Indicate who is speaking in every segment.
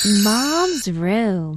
Speaker 1: Mom's Room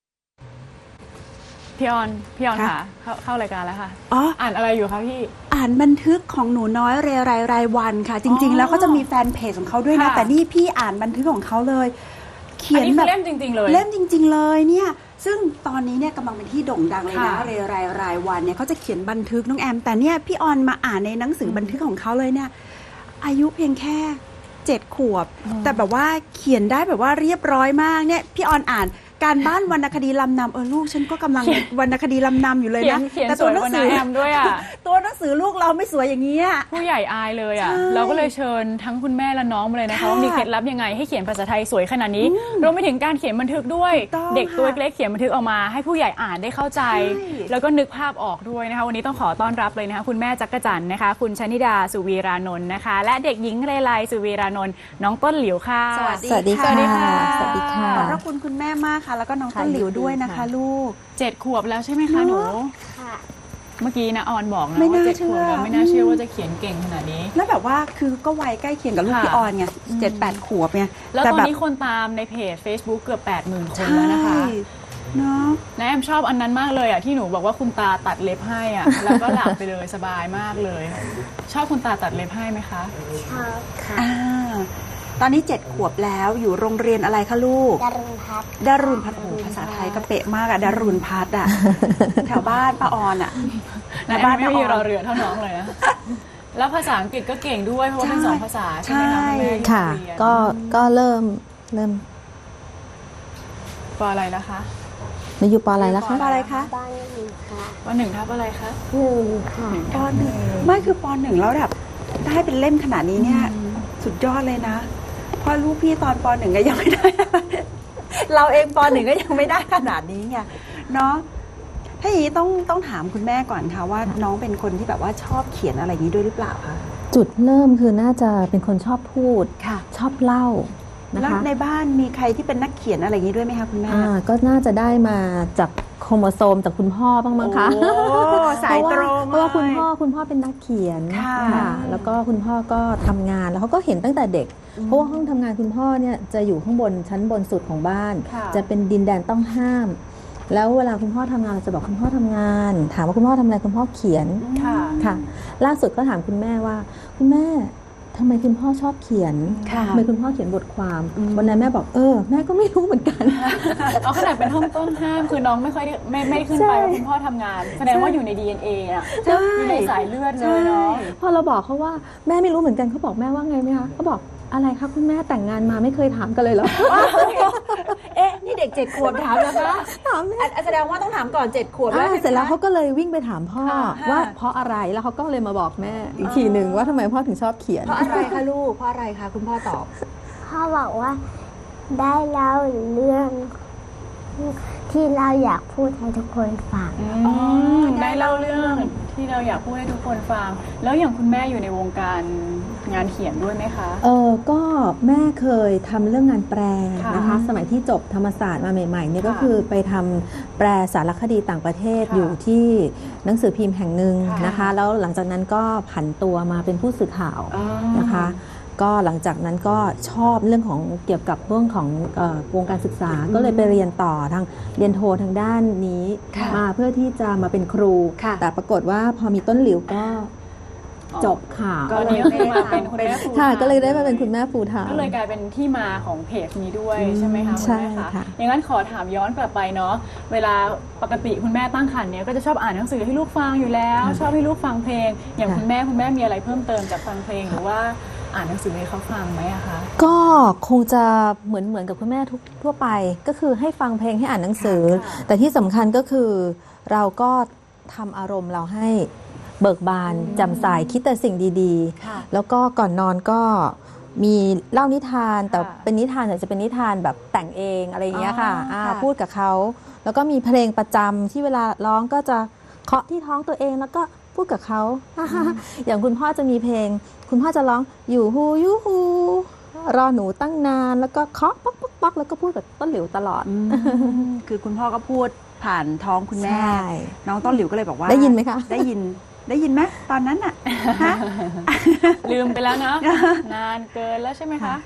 Speaker 2: พี่ออนค่ะเข้ารายการแล้วค่ะ
Speaker 3: อ๋อ
Speaker 2: อ่านอะไรอยู่คะพี่
Speaker 3: อ่านบันทึกของหนูน้อยเรไรรายวันค่ะ จริง ๆ แล้วเขาจะมีแฟนเพจของเขาด้วยนะ
Speaker 2: ค่ะ
Speaker 3: แต่นี่พี่อ่านบันทึกของเขาเลย เขี
Speaker 2: อัน
Speaker 3: ยน
Speaker 2: นี้
Speaker 3: แบ
Speaker 2: คื
Speaker 3: บ
Speaker 2: อเล่มจริงๆเลย
Speaker 3: เล่มจริง ๆ เลยเนี่ย ซึ่งตอนนี้เนี่ยกำลังเป็นที่โด่งดังเลยนะ
Speaker 2: ค่ะ
Speaker 3: เรไรรายวันเนี่ยเขาจะเขียนบันทึกน้องแอม แต่เนี่ยพี่ออนมาอ่านในหนังสือบันทึกของเขาเลยเนี่ย อายุเพียงแค่7 ขวบ แต่แบบว่าเขียนได้แบบว่าเรียบร้อยมากเนี่ยพี่ออนอ่านการบ้านวรรณคดีลำนำลูกฉันก็กำลังวรรณคดีลำนำอยู่เลยนะ
Speaker 2: เขียน
Speaker 3: แต่
Speaker 2: สวยกว่าน้าแอมด้วยอ่ะ
Speaker 3: ตัวหนังสือลูกเราไม่สวยอย่างนี้ย
Speaker 2: ผู้ใหญ่อายเลยอ่ะ
Speaker 3: ใช่
Speaker 2: เราก็เลยเชิญทั้งคุณแม่และน้องมาเลยนะคะ
Speaker 3: ค่ะ
Speaker 2: ว่ามีเคล็ดลับยังไงให้เขียนภาษาไทยสวยขนาดนี้รวมไปถึงการเขียนบันทึกด้วย
Speaker 3: ถูกต้อง
Speaker 2: เด็กตัว
Speaker 3: ค่ะ
Speaker 2: เล็กๆเขียนบันทึกออกมาให้ผู้ใหญ่อ่านได้เข้าใจ
Speaker 3: ใช่
Speaker 2: แล้วก็นึกภาพออกด้วยนะคะวันนี้ต้องขอต้อนรับเลยนะคะคุณแม่จักรจันทร์นะคะคุณชนิดาสุวีรานนท์นะคะ และเด็กหญิงเรไลสุวีรานนท์น้องต้นหลิวค่ะ
Speaker 3: สวัสดี
Speaker 4: สวัสดี
Speaker 2: สวัสดี
Speaker 4: ค่ะ
Speaker 2: ค่ะ
Speaker 4: สวัสดีค่ะ
Speaker 3: ขอบพระคุณคุณแม่มากค่ะ แล้วก็น้องต้นหลิวด้วยนะคะ ลูก
Speaker 2: 7 ขวบแล้วใช่ไหมคะหนู เมื่อกี้นะออนบอกนะ
Speaker 3: ไม่
Speaker 2: ว่า
Speaker 3: น่า
Speaker 2: 7 ขวบแล้ว
Speaker 3: เชื่อ
Speaker 2: ไม่น่าเชื่อว่าจะเขียนเก่งขนาดนี้
Speaker 3: แล้วแบบว่าคือก็วัยใกล้เคียงกับลูก
Speaker 2: ค่ะ
Speaker 3: พี่ออนไง7-8 ขวบไง
Speaker 2: แล้ว
Speaker 3: แต่
Speaker 2: ตอน
Speaker 3: แบบ
Speaker 2: นี้คนตามในเพจ Facebook เกือบ 80,000 คน
Speaker 3: ใช่
Speaker 2: แล้วนะคะ
Speaker 3: เนาะ
Speaker 2: นะแอมชอบอันนั้นมากเลยอ่ะที่หนูบอกว่าคุณตาตัดเล็บให้อ่ะ แล้วก็หลับไปเลยสบายมากเลย ชอบคุณตาตัดเล็บให้ไหมคะ
Speaker 5: ชอบค่ะ
Speaker 3: อ่าตอนนี้7 ขวบแล้วอยู่โรงเรียนอะไรคะลูก
Speaker 5: ดารุณพัฒน์
Speaker 3: ดารุณพัฒน์โอ้โหภาษาไทยก็เป๊ะมากอะดารุณพัฒน์อะ แถวบ้านป้าออนอะ
Speaker 2: นะแอมไม่มีรอเรือเท่าน้องเลยนะ แล้วภาษาอังกฤษก็เก่งด้วยเพราะว่าเป็น
Speaker 3: ใช่
Speaker 2: 2 ภาษาใช่ไหมคะคุณแม่ที่
Speaker 4: ค่ะ
Speaker 2: เรียน
Speaker 4: ก็เริ่ม
Speaker 2: ปออะไรนะคะ
Speaker 4: ในอยู่ปออะไรแล้วคะ
Speaker 3: ปอะไรคะ
Speaker 5: บ้านหนึ่งค่ะ
Speaker 2: ป1 ทับอะไรคะ
Speaker 5: หนึ่งค่ะ
Speaker 3: ปหนึ่งไม่คือปหนึ่งแล้วแบบได้เป็นเล่มขนาดนี้เนี่ยสุดยอดเลยนะเพราะลูกพี่ตอนปหนึ่งก็ยังไม่ได้ เราเองปหนึ่งก็ยังไม่ได้ขนาดนี้ไงเนาะถ้าอย่างนี้ต้องถามคุณแม่ก่อนค่ะว่าน้องเป็นคนที่แบบว่าชอบเขียนอะไรอย่างนี้ด้วยหรือเปล่าคะ
Speaker 4: จุดเริ่มคือน่าจะเป็นคนชอบพูด
Speaker 3: ค่ะ
Speaker 4: ชอบเล่านะ
Speaker 3: แล้ว
Speaker 4: คะ
Speaker 3: ในบ้านมีใครที่เป็นนักเขียนอะไรอย่างนี้ด้วยไหมคะคุณแม่
Speaker 4: ก็น่าจะได้มาจากโครโมโซมจากคุณพ่อบ้างมั้งคะ
Speaker 3: โอ้สายตรง
Speaker 4: เพราะว่า
Speaker 3: เลย
Speaker 4: คุณพ่อเป็นนักเขียน
Speaker 3: ค่ะ
Speaker 4: แล้วก็คุณพ่อก็ทำงานแล้วเขาก็เห็นตั้งแต่เด็ก เพราะว่าห้องทำงานคุณพ่อเนี่ยจะอยู่ข้างบนชั้นบนสุดของบ้าน
Speaker 3: ค่ะ
Speaker 4: จะเป็นดินแดนต้องห้าม แล้วเวลาคุณพ่อทำงานเราจะบอกคุณพ่อทำงาน ถามว่าคุณพ่อทำอะไรคุณพ่อเขียน
Speaker 2: ค่ะ
Speaker 4: ค่ะ ล่าสุดก็ถามคุณแม่ว่า คุณแม่ทำไมคุณพ่อชอบเขียน
Speaker 3: ค่ะ
Speaker 4: ทำไมคุณพ่อเขียนบทความวันนั้นแม่บอกแม่ก็ไม่รู้เหมือนกัน
Speaker 2: เอาขนาดเป็นห้องต้นห้ามคือน้องไม่ค่อยได้ไม่ขึ้นไป
Speaker 4: ใช่
Speaker 2: ว่าคุณพ่อทำงาน แสดงว่าอยู่ใน DNA อ่ะ
Speaker 3: ใช่
Speaker 2: อยู่ในสายเลือดเลยเนาะ
Speaker 4: พอเราบอกเขาว่าแม่ไม่รู้เหมือนกันเขาบอกแม่ว่าไงไหมคะเขาบอกอะไรคะคุณแม่แต่งงานมาไม่เคยถามกันเลยเหรอ
Speaker 3: เอ๊ะนี่เด็ก7 ขวบถามแล้วคะ
Speaker 4: ถามแม่
Speaker 3: แสดงว่าต้องถามก่อน7 ขวบแล้ว
Speaker 4: เสร็จแล้วเขาก็เลยวิ่งไปถามพ่อ
Speaker 3: ค่ะ
Speaker 4: ว่าเพราะอะไรแล้วเขาก็เลยมาบอกแม่อีกทีหนึ่งว่าทำไมพ่อถึงชอบเขียน
Speaker 3: เพราะอะไรคะลูกเพราะอะไรคะคุณพ่อตอบ
Speaker 5: พ่อบอกว่าได้เล่าเรื่องที่เราอยากพูดให้ทุกคนฟัง
Speaker 2: ได้เล่าเรื่องที่เราอยากพูดให้ทุกคนฟัง แล้วอย่างคุณแม่อยู่ในวงการงานเขียนด้วยไหมคะ
Speaker 4: ก็แม่เคยทำเรื่องงานแปลนะคะ
Speaker 2: ค่ะ
Speaker 4: สมัยที่จบธรรมศาสตร์มาใหม่ๆเนี่ยก็
Speaker 2: ค่ะ
Speaker 4: คือไปทำแปลสารคดีต่างประเทศ
Speaker 2: ค่ะ
Speaker 4: อยู่ที่หนังสือพิมพ์แห่งหนึ่ง
Speaker 2: ค่ะ
Speaker 4: นะคะ แล้วหลังจากนั้นก็ผันตัวมาเป็นผู้สื่อข่าว นะคะก็หลังจากนั้นก็ชอบเรื่องของเกี่ยวกับเรื่องของวงการศึกษาก็เลยไปเรียนต่อทางเรียนโททางด้านนี้
Speaker 3: ค่ะ
Speaker 4: มาเพื่อที่จะมาเป็นครู
Speaker 3: ค่ะ
Speaker 4: แต่ปรากฏว่าพอมีต้นหลิวก็จบข่าว
Speaker 2: ก็เลยได้มาเป็นคุณแม่ฟู
Speaker 4: ค่ะก็เลยได้มาเป็นคุณแม่ฟูลไทม์
Speaker 2: ก็เลยกลายเป็นที่มาของเพจนี้ด้วยใช่ไหมคะคุณ
Speaker 4: ใช่
Speaker 2: แม่คะ
Speaker 4: ค่ะ
Speaker 2: อย่างนั้นขอถามย้อนกลับไปเนาะเวลาปกติคุณแม่ตั้งครรภ์เนี่ยก็จะชอบอ่านหนังสือให้ลูกฟังอยู่แล้ว ชอบให้ลูกฟังเพลง อย่างคุณแม่มีอะไรเพิ่มเติมจากฟังเพลงหรือว่าอ่านหนังสือให้เขาฟังไหมอะคะ
Speaker 4: ก็คงจะเหมือนกับคุณแม่ทั่วไป ก็คือให้ฟังเพลงให้อ่านหนังสือ
Speaker 2: ค่ะ
Speaker 4: แต่ที่สำคัญก็คือเราก็ทำอารมณ์เราให้เบิกบานแจ่มใสคิดแต่สิ่งดี
Speaker 2: ค่ะ
Speaker 4: ๆ แล้วก็ก่อนนอนก็มีเล่านิทานแต่
Speaker 2: ค่ะ
Speaker 4: เป็นนิทานแต่จะเป็นนิทานแบบแต่งเองอะไรอย่างเงี้ยค่ะ
Speaker 3: อ๋อค่ะ
Speaker 4: พูดกับเขาแล้วก็มีเพลงประจำที่เวลาร้องก็จะเคาะที่ท้องตัวเองแล้วก็พูดกับเขา อย่างคุณพ่อจะมีเพลง คุณพ่อจะร้องอยู่ฮูยูฮูรอหนูตั้งนานแล้วก็เคาะป๊อกป๊อกป๊อกแล้วก็พูดกับต้นหลิวตลอด
Speaker 3: คือคุณพ่อก็พูดผ่านท้องคุณแม่
Speaker 4: ใช่
Speaker 3: น้องต้นหลิวก็เลยบอกว่า
Speaker 4: ได้ยินไหมคะ
Speaker 3: ได้ยินไหมตอนนั้นน่ะฮะ
Speaker 2: ลืมไปแล้วเนาะ นานเกินแล้วใช่ไหมคะ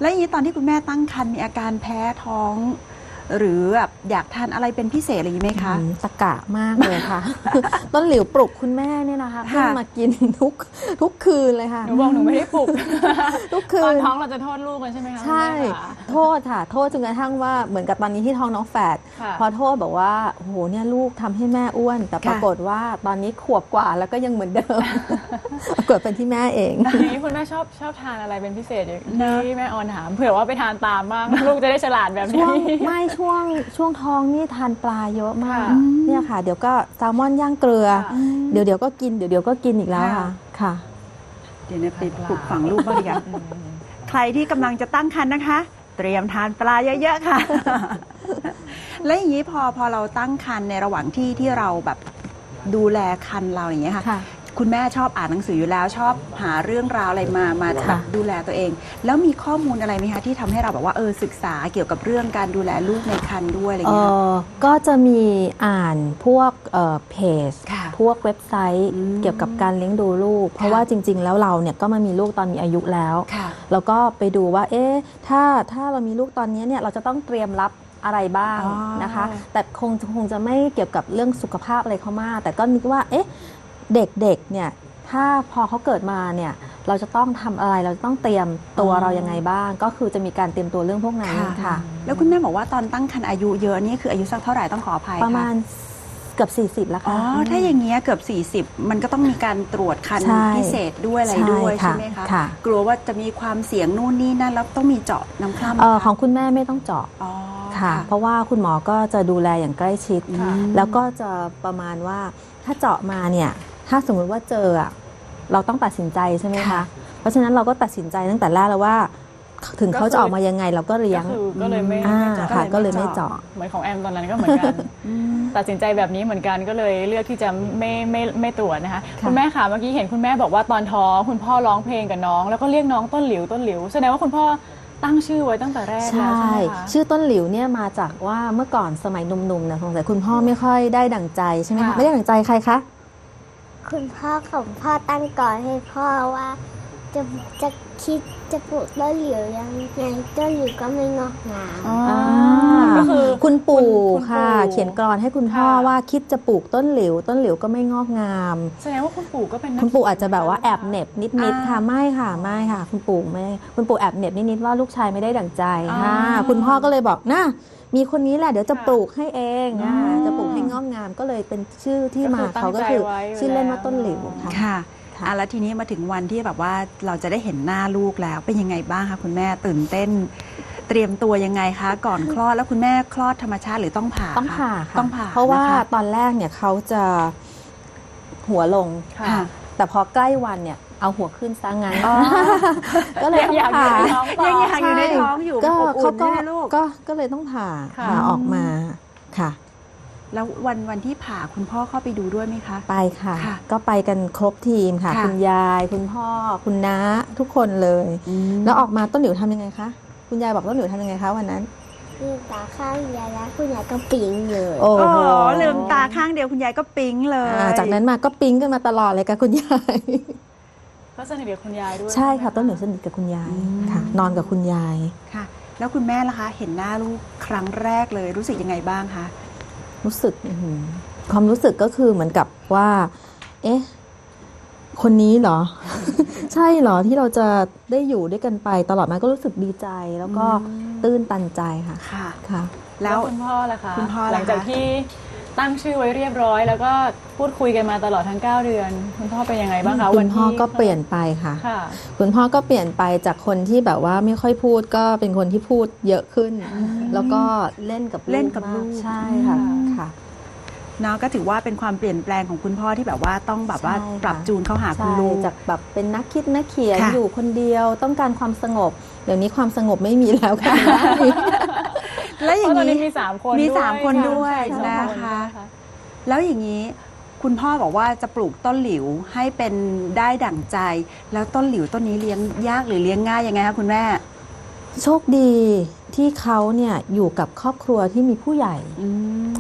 Speaker 3: แล้วอย่างนี้ตอนที่คุณแม่ตั้งครรภ์มีอาการแพ้ท้อง หรือแบบอยากทานอะไรเป็นพิเศษอะไรอย่างนี้ไหมคะ
Speaker 4: ตะกะมากเลยค่ะ ต้นหลิวปลุกคุณแม่เนี่ยนะคะขึ้นมากินทุกคืนเลยค่ะ
Speaker 2: หนูบอกหนูไม่ได้ปลุก
Speaker 4: ทุกคื
Speaker 2: ตอน
Speaker 4: น
Speaker 2: ท้องเราจะโทษลูกกันใช่ไหมคะ
Speaker 4: ใช่
Speaker 2: คุณแม่คะ
Speaker 4: โทษค่ะ โทษจนกระทั่งว่าเหมือนกับตอนนี้ที่ท้องน้องแฝด
Speaker 2: ค่ะ
Speaker 4: พอโทษบอกว่าโอ้โหเนี่ยลูกทำให้แม่อ้วน แต่ปรากฏว่าตอนนี้ขวบกว่าแล้วก็ยังเหมือนเดิม ปรากฏเป็นที่แม่เอง
Speaker 2: ทีนี้คุณแม่ชอบทานอะไรเป็นพิเศษอย่างที่แม่ออนถามเผื่อว่าไปทานตามบ้าง ลูกจะได้ฉลาดแบบ
Speaker 4: ช่
Speaker 2: นี้
Speaker 4: วงไม่ช่วงท้องนี่ทานปลาเยอะมาก
Speaker 2: ค่ะ
Speaker 4: เนี่ยค่ะ เดี๋ยวก็แซลมอนย่างเกลือ
Speaker 2: ค่ะ
Speaker 4: เดี๋ยวก็กินเดี๋ยวก็กินอีกแล้วค่ะค่ะ
Speaker 3: เดี๋ยวนะไปปลูกฝังลูกบ้างดีกว่าใครที่กำลังจะตั้งครรภ์นะคะ เตรียมทานปลาเยอะๆค่ะ และอย่างนี้พอเราตั้งครรภ์ในระหว่างที่เราแบบดูแลครรภ์เราอย่างเงี้ยค่ะ
Speaker 4: ค่ะ
Speaker 3: คุณแม่ชอบอ่านหนังสืออยู่แล้วชอบหาเรื่องราวอะไรมาแบบ
Speaker 4: ค่ะ
Speaker 3: ดูแลตัวเอง แล้วมีข้อมูลอะไรไหมคะที่ทำให้เราแบบว่าศึกษาเกี่ยวกับเรื่องการดูแลลูกในครรภ์ด้วยอะไรอย่างเงี้ยค่ะ
Speaker 4: ก็จะมีอ่านพวกเพจ
Speaker 3: ค่ะ
Speaker 4: พวกเว็บไซต์ เกี่ยวกับการเลี้ยงดูลูก เพราะว่าจริง ๆ แล้วเราเนี่ยก็มามีลูกตอนมีอายุแล้ว
Speaker 3: ค่ะ
Speaker 4: แล้วก็ไปดูว่าเอ๊ะถ้าเรามีลูกตอนนี้เนี่ยเราจะต้องเตรียมรับอะไรบ้าง
Speaker 3: อ๋อ
Speaker 4: นะคะ แต่คงจะไม่เกี่ยวกับเรื่องสุขภาพอะไรเขามาก แต่ก็นึกว่าเอ๊ะเด็กๆเนี่ยถ้าพอเขาเกิดมาเนี่ยเราจะต้องทำอะไรเราจะต้องเตรียมตัวเรายังไงบ้าง ก็คือจะมีการเตรียมตัวเรื่องพวกนั้นค่ะ
Speaker 3: แล้วคุณแม่บอกว่าตอนตั้งครรภ์อายุเยอะนี่คืออายุสักเท่าไหร่ต้องขออภัย
Speaker 4: ประมาณ
Speaker 3: ค่
Speaker 4: เกือบ40แล้ว
Speaker 3: อ๋อ
Speaker 4: ค่ะ
Speaker 3: ถ้าอย่างเงี้ยเกือบ 40 มันก็ต้องมีการตรวจคัน
Speaker 4: ใช่
Speaker 3: พิเศษด้วยอะไรด้วย
Speaker 4: ใช่ค่ะ
Speaker 3: ใช่ไหมคะ
Speaker 4: ค่ะ
Speaker 3: กลัวว่าจะมีความเสี่ยงนู่นนี่นั่นแล้วต้องมีเจาะน้ำคร่ำไหมคะ
Speaker 4: ของคุณแม่ไม่ต้องเจาะ
Speaker 3: อ๋อ
Speaker 4: ค่ะ เพราะว่าคุณหมอก็จะดูแลอย่างใกล้ชิด
Speaker 2: ค่ะ
Speaker 4: แล้วก็จะประมาณว่าถ้าเจาะมาเนี่ยถ้าสมมุติว่าเจออะเราต้องตัดสินใจใช่ไหมคะ เพราะฉะนั้นเราก็ตัดสินใจตั้งแต่แรกแล้วว่า ถึงเขาจะออกมายังไงเราก็เลี้ยง
Speaker 2: ก็เลยไม่
Speaker 4: ค่ะก็เลยไม่เจาะ
Speaker 2: เหมือนของแอมตอนนั้นก็เหมือนกัน ตัดสินใจแบบนี้เหมือนกันก็เลยเลือกที่จะไม่ตรวจนะคะ
Speaker 4: ค่ะ
Speaker 2: คุณแม่ค่ะเมื่อกี้เห็นคุณแม่บอกว่าตอนท้องคุณพ่อร้องเพลงกับน้อง แล้วก็เรียกน้องต้นหลิวต้นหลิวแสดงว่าคุณพ่อตั้งชื่อไว้ตั้งแต่แรก
Speaker 4: ใช
Speaker 2: แล้วใช่
Speaker 4: ่
Speaker 2: ไหมคะ
Speaker 4: ชื่อต้นหลิวเนี่ยมาจากว่าเมื่อก่อนสมัยหนุ่มๆนะสงสัยคุณพ่อไม่ค่อยได้ดั่งใจใช่ไหมคะ
Speaker 2: ค่ะ
Speaker 4: ไม่ได้ดั่งใจใครคะ
Speaker 5: คุณพ่อของพ่อตั้งก่อนให้พ่อว่าจะคิดจะปลูกต้นหลิวยังไงต้นหลิวก็ไม่งอกงาม
Speaker 2: อ๋อ
Speaker 4: า
Speaker 2: ก็คือ
Speaker 4: คุณปู่
Speaker 2: คุณ
Speaker 4: ค่ะ
Speaker 2: ปู่
Speaker 4: เขียนกลอนให้คุณพ่อ
Speaker 2: ค่ะ
Speaker 4: ว่าคิดจะปลูกต้นหลิวต้นหลิวก็ไม่งอกงาม
Speaker 2: แสดงว่าคุณปู่ก็เป็นนัก
Speaker 4: คุณปู่อาจจะแบบว่าแอบเหน็บนิดๆค่ะ
Speaker 3: อ่า
Speaker 4: ไม่ค่ะไม่ค่ะ คุณปู่ไม่คุณปู่แอบเหน็บนิดๆว่าลูกชายไม่ได้ดั่งใจ
Speaker 2: อ่า
Speaker 4: ค่ะคุณพ่อก็เลยบอกนะมีคนนี้แหละเดี๋ยวจะ
Speaker 2: ค่ะ
Speaker 4: ปลูกให้เองนะคะ
Speaker 2: อืม
Speaker 4: จะปลูกให้งอกงามก็เลยเป็นชื่อที่มา
Speaker 2: ก็คือตั้ง
Speaker 4: เขาก็คือ
Speaker 2: ใจไว้อยู่
Speaker 4: ชื่อเล่นว่า
Speaker 2: แล้ว
Speaker 4: ต้นหลิวค่ะ
Speaker 3: ค่ะ
Speaker 4: ค่ะ
Speaker 3: แล้วทีนี้มาถึงวันที่แบบว่าเราจะได้เห็นหน้าลูกแล้วเป็นยังไงบ้างคะคุณแม่ตื่นเต้น เตรียมตัวยังไงคะก่อนคลอดแล้วคุณแม่คลอดธรรมชาติหรือต้องผ่า
Speaker 4: ต้องผ่า
Speaker 3: คะ
Speaker 4: ค่ะ
Speaker 3: ต้องผ่า
Speaker 4: เพราะว่า
Speaker 3: นะคะ
Speaker 4: ตอนแรกเนี่ยเขาจะหัวลง
Speaker 2: ค่ะ
Speaker 3: ค่ะ
Speaker 4: แต่พอใกล้วันเนี่ยเอาหัวขึ้นซะงั้น
Speaker 3: อ๋อ
Speaker 4: ก็เลยต้อง
Speaker 2: อยากอยู่
Speaker 4: ผ่า
Speaker 2: ในท้องต่อ
Speaker 3: ยังอยากอยู่ในท้องอยู่
Speaker 4: ก็
Speaker 3: อบอุ่
Speaker 4: เขา
Speaker 3: น
Speaker 4: ก็
Speaker 3: ใช่ไหมลูก
Speaker 4: ก็เลยต้องผ่า
Speaker 2: ค่ะ
Speaker 4: ผ่าออกมาค่ะ
Speaker 3: แล้ววันที่ผ่าคุณพ่อเข้าไปดูด้วยไหมคะ
Speaker 4: ไปค่ะ
Speaker 3: ค่ะ
Speaker 4: ก็ไปกันครบทีมค่ะ
Speaker 3: ค่ะ
Speaker 4: คุณยาย คุณพ่อ คุณน้าทุกคนเลย แล้วออกมาต้นหลิวทำยังไงคะคุณยายบอกต้นหลิวทำยังไงคะวันนั้น
Speaker 5: ลืมตาข้างยายแล้วคุณยายก็ปิ๊งเลย
Speaker 4: โอ้
Speaker 3: โอ้
Speaker 4: โห
Speaker 3: ลืมตาข้างเดียวคุณยายก็ปิ๊งเลย
Speaker 4: จากนั้นมาก็ปิ๊งกันมาตลอดเลยกับคุณยาย
Speaker 2: ก็สนิทกับคุณยายด้วย
Speaker 4: ใช่ค่ะ
Speaker 2: ไหม
Speaker 4: ต้นหลิวสนิทกับคุณยายค่ะ นอนกับคุณยาย
Speaker 3: ค่ะ แล้วคุณแม่ล่ะคะ เห็นหน้าลูกครั้งแรกเลยรู้สึกยังไงบ้างคะ
Speaker 4: รู้สึกความรู้สึกก็คือเหมือนกับว่า เอ๊ะ คนนี้เหรอ ใช่เหรอที่เราจะได้อยู่ด้วยกันไปตลอดมาก็รู้สึกดีใจแล้วก็ตื้นตันใจค่ะ
Speaker 3: ค่ะ
Speaker 4: ค่ะ
Speaker 3: แล้
Speaker 2: แล้ว วคุณพ่อล่ะคะ
Speaker 3: คุณพ่อล่ะคะ
Speaker 2: หลังจากที่ตั้งชื่อไว้เรียบร้อย แล้วก็พูดคุยกันมาตลอดทั้ง 9 เดือน คุณพ่อเป็นยังไงบ้างคะ
Speaker 4: คุ
Speaker 2: วัน
Speaker 4: ณ
Speaker 2: ที่
Speaker 4: พ่อก็เปลี่ยนไปค่ะ
Speaker 2: ค่ะ
Speaker 4: คุณพ่อก็เปลี่ยนไปจากคนที่แบบว่าไม่ค่อยพูดก็เป็นคนที่พูดเยอะขึ้น แล้วก็เล่นกับ
Speaker 3: เล่นกับลูก
Speaker 4: ใช่ค่ะ
Speaker 2: อืม
Speaker 4: ค่ะ
Speaker 3: เนาะก็ถือว่าเป็นความเปลี่ยนแปลงของคุณพ่อที่แบบว่าต้องแบบว่า
Speaker 4: ใช่ค่ะ
Speaker 3: ปรับจูนเข้าหาคุณ
Speaker 4: ใช่
Speaker 3: ลูก
Speaker 4: จากแบบเป็นนักคิดนักเขียน
Speaker 3: ค่ะ
Speaker 4: อยู่คนเดียวต้องการความสงบ เดี๋ยวนี้ความสงบไม่มีแล้วค่ะ
Speaker 3: แล้วอย่าง
Speaker 2: เพราะตอนนี้
Speaker 3: นี้
Speaker 2: มี3 คน
Speaker 3: มี
Speaker 2: ด้วย
Speaker 3: 3 คนด้วย
Speaker 2: ใช่
Speaker 3: นะ
Speaker 2: สอง
Speaker 3: คะ แล้วอย่างนี้คุณพ่อบอกว่าจะปลูกต้นหลิวให้เป็นได้ดั่งใจ แล้วต้นหลิวต้นนี้เลี้ยงยากหรือเลี้ยงง่ายยังไงคะคุณแม่
Speaker 4: โชคดีที่เขาเนี่ยอยู่กับครอบครัวที่มีผู้ใหญ่
Speaker 3: อืม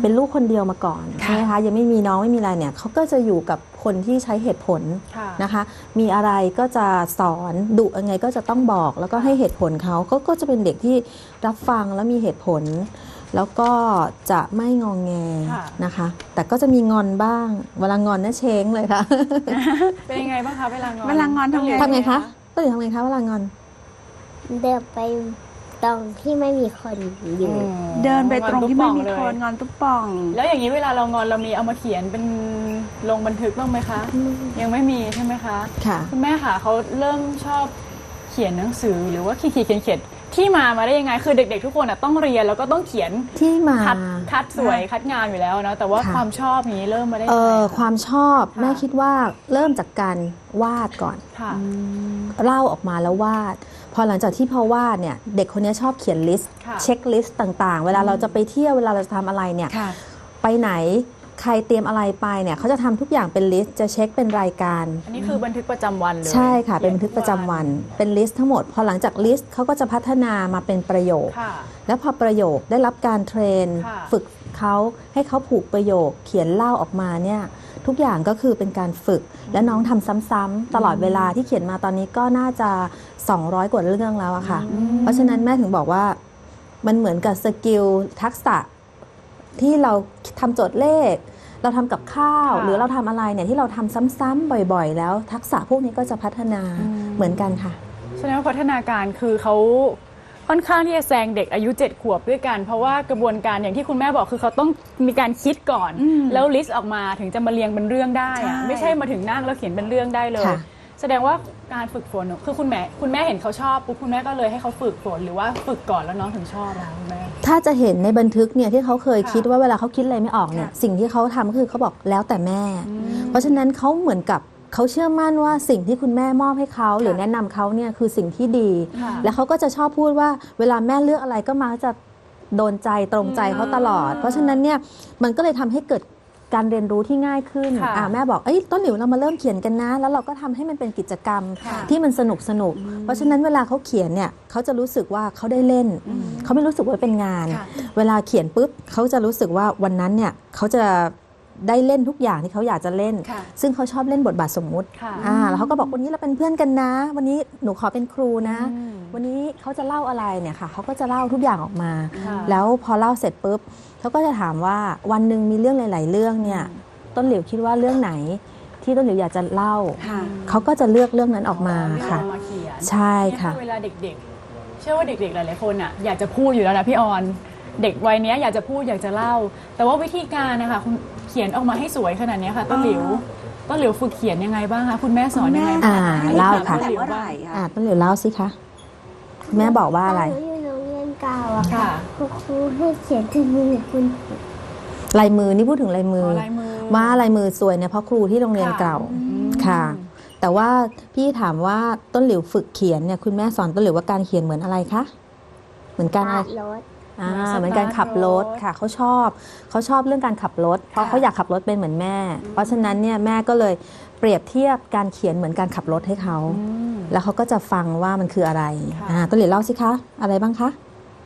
Speaker 4: เป็นลูกคนเดียวมาก่อนใช่ไหมคะยังไม่มีน้องไม่มีอะไรเนี่ยเขาก็จะอยู่กับคนที่ใช้เหตุผล
Speaker 2: ค่ะ
Speaker 4: นะคะ มีอะไรก็จะสอนดุยังไงก็จะต้องบอกแล้วก็ให้เหตุผลเขาก็จะเป็นเด็กที่รับฟังแล้วมีเหตุผล แล้วก็จะไม่งองแง
Speaker 2: ค่ะ
Speaker 4: นะคะ แต่ก็จะมีงอนบ้างเวลางอนน่าเช้งเลยค่ะ
Speaker 2: เป็นยังไงบ้างคะเวลางอน
Speaker 3: เวลางอนทำไง
Speaker 4: ทำไงคะต้นหลิวทำไงคะเวลางอน
Speaker 5: เดินไปตรงที่ไม่มีคนอยู่
Speaker 3: เดินไปตรงที่ไม่มี
Speaker 2: งอ
Speaker 3: คน
Speaker 2: ตุ๊บป่องเลย
Speaker 3: งอนตุ๊บป่อง
Speaker 2: แล้วอย่างนี้เวลาเรางอนเรามีเอามาเขียนเป็นลงบันทึกบ้างไหมคะ ยังไม่มีใช่ไหมคะ
Speaker 4: ค่ะ
Speaker 2: คุณแม่ค่ะเขาเริ่มชอบเขียนหนังสือหรือว่าเขียนที่มาได้ยังไงคือเด็กๆทุกคนอะต้องเรียนแล้วก็ต้องเขียน
Speaker 4: ที่มา
Speaker 2: คัดสวยคัดงามอยู่แล้วนะแต่ว่า
Speaker 4: ค่ะ
Speaker 2: ความชอบนี้เริ่มมาได้ยังไงคะ
Speaker 4: ความชอบ
Speaker 2: ค่ะ
Speaker 4: แม่คิดว่าเริ่มจากการวาดก่อน
Speaker 2: ค่ะ
Speaker 4: เล่าออกมาแล้ววาด พอหลังจากที่พอวาดเนี่ยเด็กคนนี้ชอบเขียนลิสต์
Speaker 2: ค่ะ
Speaker 4: เช็คลิสต์ต่างๆ เวลาเราจะไปเที่ยวเวลาเราจะทำอะไรเนี่ย
Speaker 3: ค่ะ
Speaker 4: ไปไหนใครเตรียมอะไรไปเนี่ยเขาจะทำทุกอย่างเป็นลิสต์จะเช็คเป็นรายการ
Speaker 2: อันนี้คือบันทึกประจำวันเลย
Speaker 4: ใช่ค่ะเป็นบันทึกประจำวันเป็นลิสต์ทั้งหมด พอหลังจากลิสต์เขาก็จะพัฒนามาเป็นประโยค
Speaker 2: ค่ะ
Speaker 4: แล้วพอประโยคได้รับการเทรน
Speaker 2: ค่ะ
Speaker 4: ฝึกเขาให้เขาผูกประโยค เขียนเล่าออกมาเนี่ยทุกอย่างก็คือเป็นการฝึก และน้องทำซ้ำๆตลอดเวลาที่เขียนมาตอนนี้ก็น่าจะ 200 กว่าเรื่องแล้วอะค่ะ เพราะฉะนั้นแม่ถึงบอกว่ามันเหมือนกับสกิลทักษะที่เราทำโจทย์เลข เราทำกับข้าว
Speaker 2: ค่ะ
Speaker 4: หรือเราทำอะไรเนี่ยที่เราทำซ้ำๆบ่อยๆ แล้วทักษะพวกนี้ก็จะพัฒนาเหมือนกันค่ะ
Speaker 2: แสดงว่าพัฒนาการคือเขาค่อนข้างที่จะแซงเด็กอายุ 7 ขวบด้วยกัน เพราะว่ากระบวนการอย่างที่คุณแม่บอกคือเขาต้องมีการคิดก่อน แล้วลิสต์ออกมาถึงจะมาเรียงเป็นเรื่องได้อะ
Speaker 3: ใช่
Speaker 2: ไม่ใช่มาถึงนั่งแล้วเขียนเป็นเรื่องได้เลย
Speaker 4: ค่ะ
Speaker 2: แสดงว่าการฝึกฝนคือคุณแม่เห็นเขาชอบปุ๊บคุณแม่ก็เลยให้เขาฝึกฝนหรือว่าฝึกก่อนแล้วน้องถึงชอบแล้วคุณแม่
Speaker 4: ถ้าจะเห็นในบันทึกเนี่ยที่เขาเคย
Speaker 2: ค่ะ
Speaker 4: คิดว่าเวลาเขาคิดอะไรไม่ออกเนี่ย
Speaker 2: ค่ะ
Speaker 4: สิ่งที่เขาทำก็คือเขาบอกแล้วแต่แม่ เพราะฉะนั้นเขาเหมือนกับเขาเชื่อมั่นว่าสิ่งที่คุณแม่มอบให้เขาหรือแนะนำเขาเนี่ยคือสิ่งที่ดี
Speaker 2: ค่ะ
Speaker 4: แล้วเขาก็จะชอบพูดว่าเวลาแม่เลือกอะไรก็มักจะโดนใจตรงใจเขาตลอด เพราะฉะนั้นเนี่ยมันก็เลยทำให้เกิดการเรียนรู้ที่ง่ายขึ้น
Speaker 2: ค่ะ
Speaker 4: แม่บอกต้นหลิวเรามาเริ่มเขียนกันนะ แล้วเราก็ทำให้มันเป็นกิจกรรม
Speaker 2: ค่ะ
Speaker 4: ที่มันสนุกเพราะฉะนั้นเวลาเขาเขียนเนี่ยเขาจะรู้สึกว่าเขาได้เล่น เขาไม่รู้สึกว่าเป็นงาน
Speaker 2: ค่ะ
Speaker 4: เวลาเขียนปุ๊บเขาจะรู้สึกว่าวันนั้นเนี่ยเขาจะได้เล่นทุกอย่างที่เขาอยากจะเล่น
Speaker 2: ค่ะ
Speaker 4: ซึ่งเขาชอบเล่นบทบาทสมมุติ
Speaker 2: ค่ะ
Speaker 4: แล้วเขาก็บอกวันนี้เราเป็นเพื่อนกันนะ วันนี้หนูขอเป็นครูนะ
Speaker 2: อืม
Speaker 4: วันนี้เขาจะเล่าอะไรเนี่ยค่ะเขาก็จะเล่าทุกอย่างออกมา
Speaker 2: ค่ะ
Speaker 4: แล้วพอเล่าเสร็จปุ๊บเขาก็จะถามว่าวันหนึ่งมีเรื่องหลาย ๆ เรื่องเนี่ยต้นหลิวคิดว่าเรื่องไหนที่ต้นหลิวอยากจะเล่า
Speaker 3: ค่ะ
Speaker 4: เขาก็จะเลือกเรื่องนั้นออกมา
Speaker 2: เรื่อง
Speaker 4: ค่ะ
Speaker 2: เอามาเขียน
Speaker 4: ใช่ค่ะ
Speaker 2: เนี่ยเวลาเด็กๆ เชื่อว่าเด็กๆ หลายๆ คนอ่ะอยากจะพูดอยู่แล้วนะพี่ออน เด็กวัยเนี้ยอยากจะพูดอยากจะเล่า แต่ว่าวิธีการนะคะคุณเขียนออกมาให้สวยขนาดเนี้ยค่ะต้นหลิวฝึกเขียนยังไงบ้างคะคุณแม่สอนยังไง
Speaker 4: อ่า
Speaker 2: บ้าง
Speaker 4: เล่าค่ะ
Speaker 3: แต่เมื่อไหร่อะ
Speaker 4: ต้นหลิวเล่าสิคะแม่บอกว่าอะไร
Speaker 5: ตนหนูอยู่โรงเรียนเก่าอะค่ะ
Speaker 2: ค่ะ
Speaker 5: คุณครูให้เขียนถึงมือคุณ
Speaker 4: ลายมือนี่พูดถึงลายมือ
Speaker 2: ลายมือ
Speaker 4: ว่าลายมือสวยเนี่ยเพราะครูที่โรงเรียนเก่าค่ะ แต่ว่าพี่ถามว่าต้นหลิวฝึกเขียนเนี่ยคุณแม่สอนต้นหลิวว่าการเขียนเหมือนอะไรคะเหมือนการอะไร
Speaker 5: รถ
Speaker 4: เหมือนการขับรถค่ะเขาชอบเรื่องการขับรถ เพราะเขาอยากขับรถเป็นเหมือนแม่ เพราะฉะนั้นเนี่ยแม่ก็เลยเปรียบเทียบการเขียนเหมือนการขับรถให้เขาแล้วเขาก็จะฟังว่ามันคืออะไรต้นหลิวเล่าสิคะอะไรบ้างคะ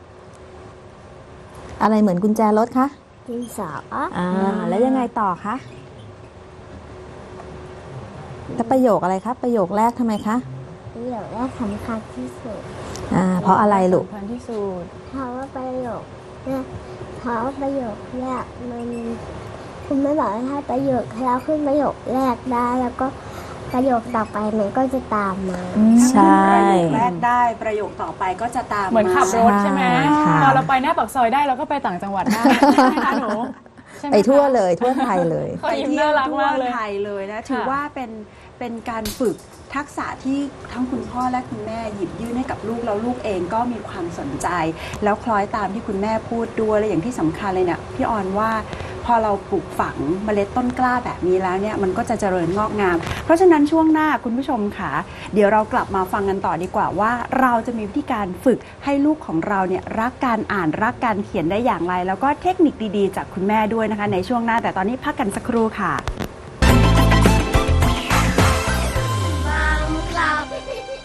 Speaker 4: อะไรเหมือนกุญแจรถคะ
Speaker 5: ดินสอ
Speaker 4: แล้วยังไงต่อคะแล้วประโยคอะไรคะประโยคแรกทำไมคะ
Speaker 5: ประโยคแรกสำคัญที่สุด
Speaker 4: เพราะอะไรลูก
Speaker 2: สำคัญที่สุด
Speaker 5: เพราะว่าประโยคแรกเพราะว่าประโยคแรกมันคุณไม่บอกให้ประโยคแล้วขึ้นประโยคแรกได้แล้วก็ประโยคต่อไปมันก็จะตามมา
Speaker 4: ใช่
Speaker 3: ประโยคแรกได้ประโยคต่อไปก็จะตาม
Speaker 2: เหมือนขับรถใช่ไหม
Speaker 4: ค่ะ
Speaker 2: ตอนเราไปหน้าปากซอยได้เราก็ไปต่างจังหวัดได้ใช่ไหมคะหนูใช่หม
Speaker 4: ไป
Speaker 2: คะ
Speaker 4: ทั่วเลยทั่วไทยเลย
Speaker 2: เขา
Speaker 3: ไป
Speaker 2: ยิ้ม
Speaker 3: เที่ย
Speaker 2: น่าว รัก
Speaker 3: ทั่ว
Speaker 2: มากเลย
Speaker 3: ไทยเลยนะถือ
Speaker 2: ค่ะ
Speaker 3: ว่าเป็นการฝึกทักษะที่ทั้งคุณพ่อและคุณแม่หยิบยื่นให้กับลูกแล้วลูกเองก็มีความสนใจ แล้วคล้อยตามที่คุณแม่พูดด้วยและอย่างที่สำคัญเลยเนี่ยพี่ออนว่าพอเราปลูกฝังเมล็ดต้นกล้าแบบนี้แล้วเนี่ยมันก็จะเจริญงอกงาม เพราะฉะนั้นช่วงหน้าคุณผู้ชมค่ะเดี๋ยวเรากลับมาฟังกันต่อดีกว่าว่าเราจะมีวิธีการฝึกให้ลูกของเราเนี่ยรักการอ่านรักการเขียนได้อย่างไร แล้วก็เทคนิคดีๆจากคุณแม่ด้วยนะคะในช่วงหน้าแต่ตอนนี้พักกันสักครู่ค่ะ